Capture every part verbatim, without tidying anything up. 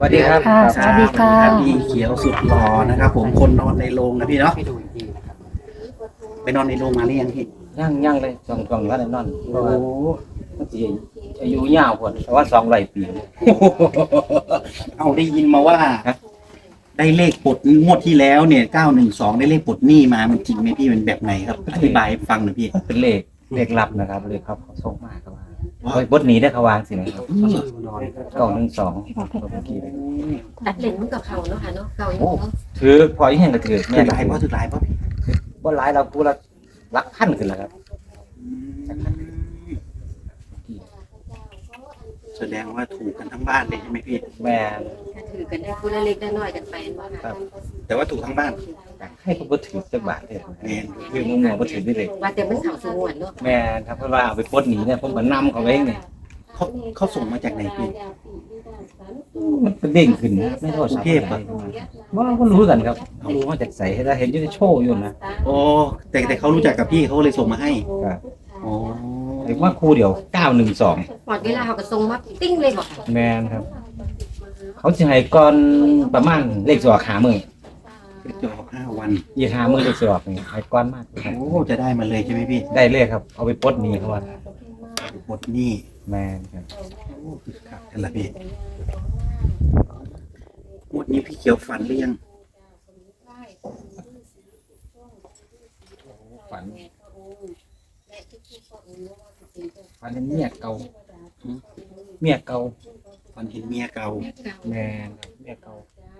สวัสดีครับค่ะสวัสดีค่ะพี่เขียวสุดหล่อนะครับ ผมคนนอนในโรงนะพี่เนาะให้ดูอีกทีนะครับไปนอนในโรงมาหรือยังพี่ย่างย่างเลยสองสองวันนอนเพโอ้ราะโหว่ามันสิอายุยาวกว่าแต่ว่าสองร้อยปีเอาได้ยินมาว่าฮะได้เลขปลดงวดที่แล้วเนี่ยเก้าหนึ่งสองได้เลขปลดหนี้มามันจริงไหมพี่มันแบบไหนครับอธิบายให้ฟังหน่อยพี่เป็นเลขเลขลับนะครับเลขเขาเขาส่งมาเขาว่าเฮ้ยบทหนีได้เขาวางสินะครับเก้าหนึ่งสองเมื่อกี้เลยตัดเหล็กมันกับเขาเนาะค่ะเนาะเก่าอย่างโอ้เนาะถือพออีกแห่งก็ถือถืแม่อน ลายเพราะถือลายเพราะพี่บ่หลายเรากูละรักพันขึ้นแล้วครับแสดงว่าถูกกันทั้งบ้านเลยใช่ไหมพี่แม่นถ้าถือกันได้คู่ละเล็กได้น้อยกันไปว่าครัค่ะบแต่ว่าถูกทั้งบ้านให้เขาบ่ถือสักบาทเลยแม่นคือมึงบ่ถือได้เลยว่าแต่มันเขาสงวนเนาะแม่นครับเพราะว่าเอาไปปลดหนีเนี่ยผมก็นำเขาไว้ไงเขาเขาส่งมาจากไหนพี่มันเป็นเด้งขึ้นนะไม่โทษกรุงเทพอะว่าเราก็รู้กันครับเขารู้มาจากใส่ให้ได้เห็นอยู่ในโชว์อยู่นะโอ้แต่แต่เขารู้จักกับพี่เขาเลยส่งมาให้ครับโอ้เรียกว่าครูเดียวเก้าหนึ่งสองหมดเวลาเขาก็ส่งมาติ้งเลยบอกค่ะแมนครับ เขาจะให้ก่อนประมาณเลขสวกหามือจะออกห้าวันยี่หามือเลขสวกนี่ให้ก้อนมากครับโอ้จะได้มาเลยใช่ไหมพี่ได้เลขครับ เอาไปปลดหนี้เขาว่าหมดหนี้แมนครับโอ้คือครับนั่นแหละพี่งวดนี้พี่เขียวฝันหรือยังฝันฝันเป็นเมียเก่าเมียเก่าฝันเห็นเมียเก่าแมนครับเมียเก่า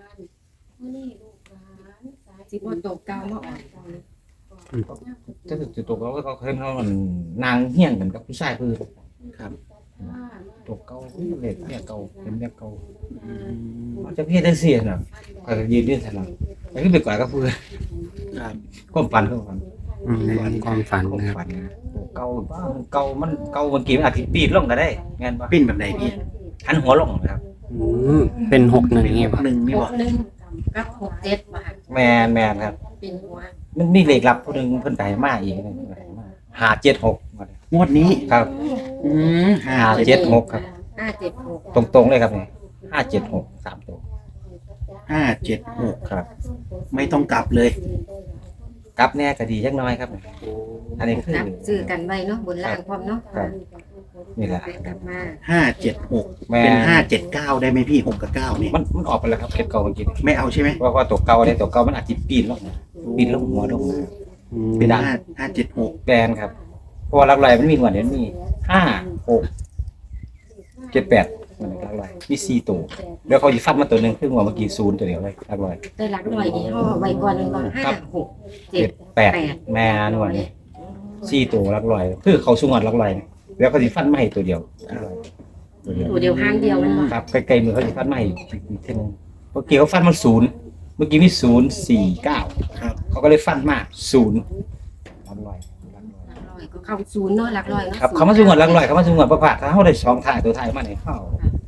สิบ่ตกเก่ามาออกถ้าจุดตกแล้วก็เขาเคยเขามันนางเฮี้ยงกันกับผู้ชายคือครับตกเก่าเลขเมียเก่าเป็นเมียเก่าอืมจะพี่ได้เสียนะก็ยืนยืนถนัดแต่ก็ไปกว่าก็พูดครับความฝันความฝันอืมความฝันความนะครับฝันนะเก่าบ้ามันเก่ามันเก่าเมื่อกี้มันอาจจะปีนลงก็ได้งานปะปิ้นแบบไหนพี่หันหัวลงนะครับอืมเป็นหกหนึ่งนี่หป่ะนึ่งนี่หบกอกหนึ่งกับหกเจ็ดว่าค่ะแมนแมนครับเป็นหัวมันมีเลขลับผู้หนึงเพิ่นไก่มาอีกนึงหาเจ็ดหกงวดนี้ครับอืมห้าห้าเจ็ดเจ็ดหกครับห้าเจ็ดหกตรงๆเลยครับเนี่ยห้าเจ็ดหกสามตัวห้าเจ็ดหกครับไม่ต้องกลับเลยกลับแน่ก็ดีจักหน้อยครับ อันนี้คือนับซื้อกันไว้เนาะบนล่างพร้อมเนาะครับนี่แหละไปกลับมาห้าเจ็ดหกแมเป็นนห้าเจ็ดเก้าได้ไหมพี่หกกับเก้าเนี่ยมันมันออกไปแล้วครับเก็บเก่าเมื่อกี้ไม่เอาใช่ไหมเพราะว่าตัวเก่าเนี่ยตัวเก่ามันอาจจะปีนลงนะปีนลงหัวลงนะอืมเป็นห้าห้าเจ็ดหกแบรนด์ครับเพราะว่าหลักลอยมันมีหัวเดี๋ยวมีห้าหกเจ็ดแปดมันหลักลอยมีสี่ตัวแล้วเขาจะฟัดมาตัวหนึ่งคือหัวเมื่อกี้ศูนย์ตัวเดียวเลยหลักลอยได้หลักร้อยนี่ห่อไว้ก่อนหนึ่งก่อนห้าหกเจ็เจ็ดดแปดแม่นหัวนี่สี่ตัวหลักลอยคือเขาสูงหัวหลักลอยแล้วเขาจะฟัดมาให้ตัวเดียวหลักลอยตัวเดียวตัวเดียวห้างเดียวมันบ่ครับใกล้ๆมือเขาจะฟัดมาให้อีกทีหนึงเมื่อกี้เขาฟัดมาศูนย์เมื่อกี้มีศูนย์สี่เก้าครับเขาก็เลยฟัดมาศูนย์หลักลอยหลักลอยหลักร้อยก็เข้าศูนย์เนาะหลักร้อยเนาะครับเขามาสูงหัวหลักลอยเขามาสูงหัวประพาสถ้าเขาได้สองถ่ายตัวถ่ายมาในเข้า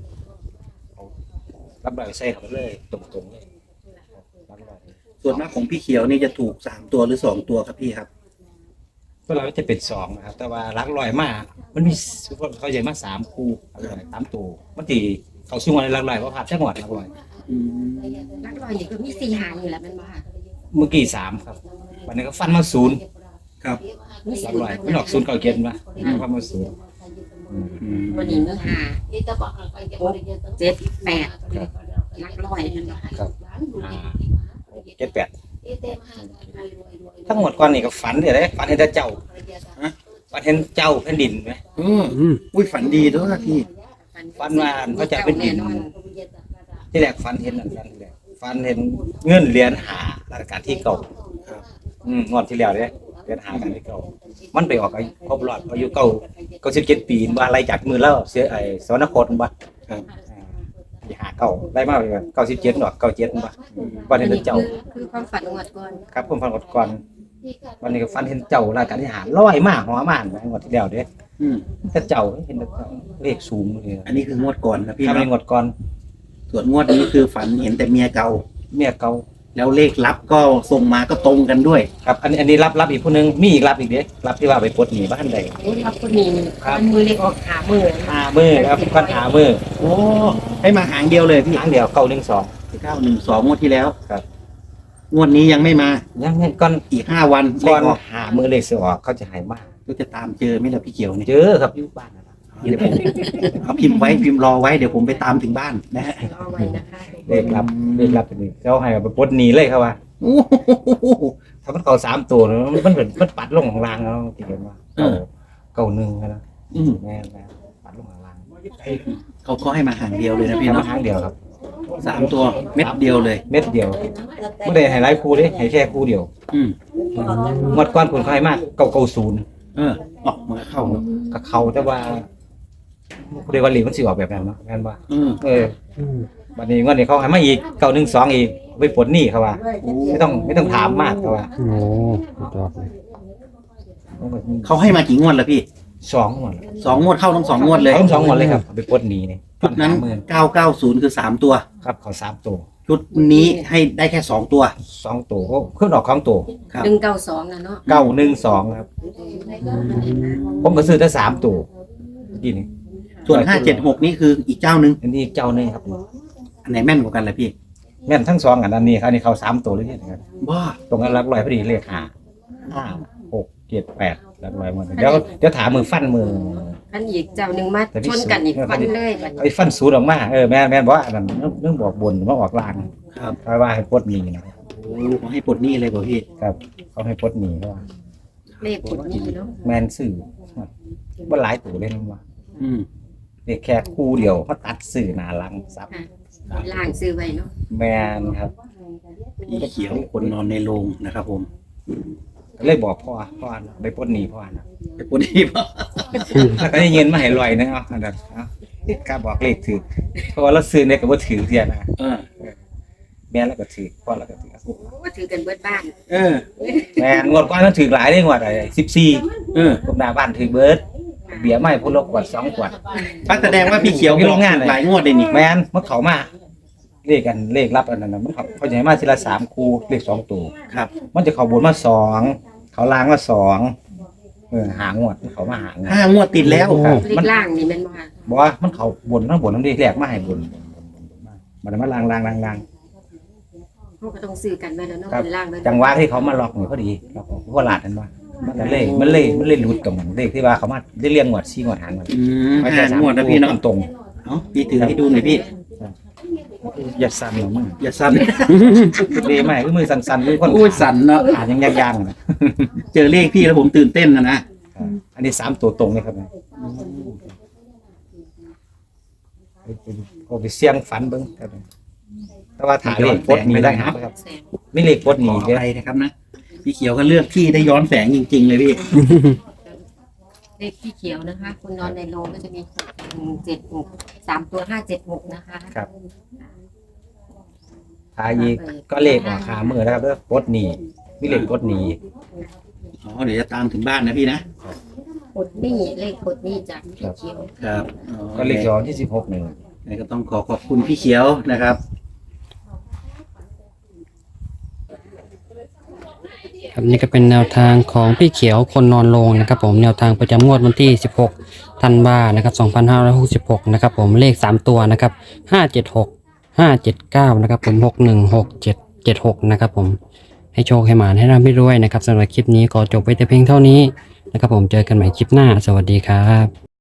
รับลอยใส่เขาไปเลยตรงๆเลยรับลอยส่วนมากของพี่เขียวนี่จะถูกสามตัวหรือสองตัวครับพี่ครับก็เราจะเป็นสองนะครับ แต่ว่ารักลอยมากมันมีเขาใหญ่มาสามคู่รักลอยสามตัวมันตีเขาสูงหัวในรักลอยประพาสจังหวัดรักลอยอืมหลักร้อยนี่ก็มีสี่หางนี่แหละแมันบ่ค่ะเมื่อกี้สามครับวันนี้ก็ฟันมาศูนย์ครับมีรัศูกนย์ลอยไม่ออกศูนย์เก่าเกียนมาฟันมาศูนย์อืมอืมวันนี้มีห้าหกเจ็ดแปดหลักร้อยแมันบ่ค่ะครับอ่าเจ็ดแปดทั้งหมดก่อนนี่ก็ฝันเดี๋ยวได้ฝันเห็นแต่เจ้าฝันเห็นเจ้าแผ่นดินไหมเอออืมอุ้ยฝันดีด้วยพี่ฝันว่าพระเจ้าเป็นดิน ที่แรกฝันเห็นนั่นฝันที่แรกฝันเห็นเงินเหรียญหาราชการที่เก่าครับอืมงวดที่แล้วเนี่ยเหรียญหาการที่เก่ามันไปออกอายุครบรอบอายุเก่าเก้าสิบเจ็ดปีว่าอะไรจากมือแล้วเสียไอ้สวรรคตบ่ครับอ่าหาเก่าได้มากเลยเก้าสิบเจ็ดหรอกเก้าเจ็ดบ่วันนี้เป็นเจ้าคือความฝันงวดก่อนครับผมฝันกดก่อนวันนี้ก็ฝันเห็นเจ้าราชการที่หารลอยมาหัวมานงวดที่แล้วเด้อืมแต่เจ้าเห็นแต่เจ้าเลขสูงเลยอันนี้คืองวดก่อนนะพี่ทำในเนาะงวดก่อนส่วนงวดนี้คือฝันเห็นแต่เมียเก่าเมียเก่าแล้วเลขลับก็ส่งมาก็ตรงกันด้วยครับอันนี้อันนี้รับรับอีกผู้หนึงมีอีกรับอีกเด้รับที่ว่าไปปลดหนี้บ้านใดโอ้ยครับคนนี้มันมือเล็กออกขามือหามือครับก้อนหามือโอ้ให้มาหางเดียวเลยพี่ครั้งเดียวเก้าหนึ่งสองเก้าหนึ่งสองงวดที่แล้วครับงวดนี้ยังไม่มายังไงก้อนอีกห้าวันเลก้อนขออกหามือเลขเสือออกเขาจะหายมากก็จะตามเจอไหม่ละพี่เขียวเนี่ยเจอครับอยู่บ้านนะเดี๋ยวผมเอาพิมพ์ไว้พิมพ์รอไว้เดี๋ยวผมไปตามถึงบ้านนะฮะเอาไว้นะคะเลขรับเลขรับเป็นนี่เขาให้เอาไปปลดหนี้เลยครับว่าโอ้โหถ้ามันเขาสามตัวนะมันเหมือนมันปัดลงของรางแล้วที่เห็นว่าเออเก้าหนึ่งนะอืมแม่แม่ปัดลงของรางเขาก็ให้มาหางเดียวเลยนะพี่แค่มาเนาะครั้งเดียวครับสามตัวเม็ดเดียวเลยเม็ดเดียวไม่ได้ให้หลายคู่เด้ให้แค่คู่เดียวอืมงวดก้อนผลเขาให้มากเก้าเก้าศูนย์เออออกมาเข้าเนอะกับเขาแต่ว่าเรียกว่าลีมันสิออกแบบนั้นเนาะแม่นว่าเออเออวันนี้งวดนี้เขาให้มาอีกเก้าหนึ่งสองอีกไปปลดหนี้เขาว่า ไม่ต้องไม่ต้องถามมากเขาว่าโอ้สุดยอดเลยเขาให้มากี่งวดแล้วพี่สองงวดสองงวดเข้าทั้งสองงวดเลยเขาสองงวดเลยครับเอาไปปลดหนี้นี่ชุดนั้นหมื่นเก้าเก้าศูนย์คือสามตัวครับเขาสามตัวชุดนี้ให้ได้แค่สองตัวสองตัวเขาขึ้นออกของตัวครับหนึ่งเก้าสองนะเนาะเก้าหนึ่งสองครับ ผมก็ซื้อได้สามตัวนี่นี่ส่วนห้าเจ็ดหกนี่คืออีกเจ้าหนึ่งอันนี้เจ้านี่ครับอันไหนแม่นกว่ากันล่ะพี่แม่นทั้งสองอันอันนี้ครับอันนี้เขาสามตัวเลยเนี่ยนะครับว้าตรงนั้นรักลอยพอดีเลขห้าห้าหกเจ็ดแปดรักลอยหมดเดี๋ยวเดี๋ยวถามมือฟันมืออันอีกเจ้าหนึ่งมาชนกันอีกฟันเลยบัดนี้ไอ้ฟันสูดออกมาเออแม่นแม่นบอกว่าอันนั้นเรื่องบอกบนมาออกลางครับเพราะว่าให้ปลดหนี้นะโอ้เขาให้ปลดหนี้เลยป่ะพี่ครับเขาให้ปลดหนี้เพราะว่าเลขกดนี้เนาะแมนสื่อว่าหลายตัวเลยนะว่าอืมเด็กแค่คู่เดียวเขาตัดสื่อหนาหลังซับค่ะล่างซื้อไว้เนาะแมนครับพี่เขียวคนนอนในโรงนะครับผมเลยบอกพ่อพ่อไปปลดหนี้พ่อนะไปปลดหนี้ป่ะแล้วก็ได้เงินมาให้ลอยนะเอาอันนั้นเอากล้าบอกเลขถือเพราะว่าเราซื้อเนี่ยก็บ่ถือเทียนะเออแม่แล้วก็ถือพ่อแล้วก็ถือโอ้ถือกันเบิดบ้านเออแม่งวดก่อนมันถือหลายได้งวดอะไรสิบสี่เออผมหน้าบ้านถือเบิร์ดเบียร์ไม่พูดลกกว่าสองขวดปักแสดงว่าพี่เขียวมีโรงงานเลยหลายงวดเลยนี่แม่นมันเขามาเลขกันเลขรับอันนั้นนะมันเขาเขาจะให้มาทีละสามคู่เลขสองตัวครับมันจะเขาบนมาสองเขาล้างมาสองเออหางวดเขามาหางวดห้างวดติดแล้วครับเลขล่างนี่แม่นบ่ค่ะบอกว่ามันเขาบนทั้งบนทั้งเลขแรกมาให้บนบนบนบนมามันมาล้างล้างล้างล้างเขาก็ต้องซื้อกันไว้แล้วเนาะครับเป็นล่างเลยจังหวะที่เขามาล็อกเนี่ยพอดีล็อกเพราะว่าหลาดนั่นว่ามันก็เลยมันเลยมันเลยหลุดกับมันเลขที่ว่าเขามาได้เรียงงวดซี่งวดหางมันอืมห้างวดนะพี่เนาะตรงเอ้าพี่ถือให้ดูหน่อยพี่ๆอย่าสั่นหรอกมึงอย่าสั่นเดไม่คือมือสั่นๆมือคนโอ้ยสั่นเนาะอ่านยังยางๆนะเจอเลขพี่แล้วผมตื่นเต้นนะนะอันนี้สามตัวตรงเลยครับนะเอาไปเสี่ยงฝันเบิ้งครับแต่ว่าถ่ายเลขโคตรมีได้หาครับแสงไม่เลขโคตรขมีอเด้ออะไรนะครับนะพี่เขียวก็เลือกที่ได้ย้อนแสงจริง ๆ เลยพี่เลขที่เขียวนะคะ คุณนอนในโรงก็จะมีหกหนึ่งเจ็ดหกสามตัวห้าเจ็ดหกนะคะครับถ่ายอีกก็เลขออกขามือนะครับเด้อโคตรมีมีเลขโคตรมีอ๋อเดี๋ยวจะตามถึงบ้านนะพี่นะกดหนี่เลขกดหนี่จากพี่เขียวครับอ๋อก็เลขย้อนที่สิบหกหนึ่งแล้วก็ต้องขอขอบคุณพี่เขียวนะครับครับนี่ก็เป็นแนวทางของพี่เขียวคนนอนโรงนะครับผมแนวทางประจำงวดวันที่สิบหกธันวานะครับสองพันห้าร้อยหกสิบหกนะครับผมเลขสามตัวนะครับห้าเจ็ดหก ห้าเจ็ดเก้านะครับผมหกหนึ่งหกเจ็ดเจ็ดหกนะครับผมให้โชคให้หมานให้ร่ำให้รวยนะครับสำหรับคลิปนี้ขอจบไว้แต่เพียงเท่านี้นะครับผมเจอกันใหม่คลิปหน้าสวัสดีครับ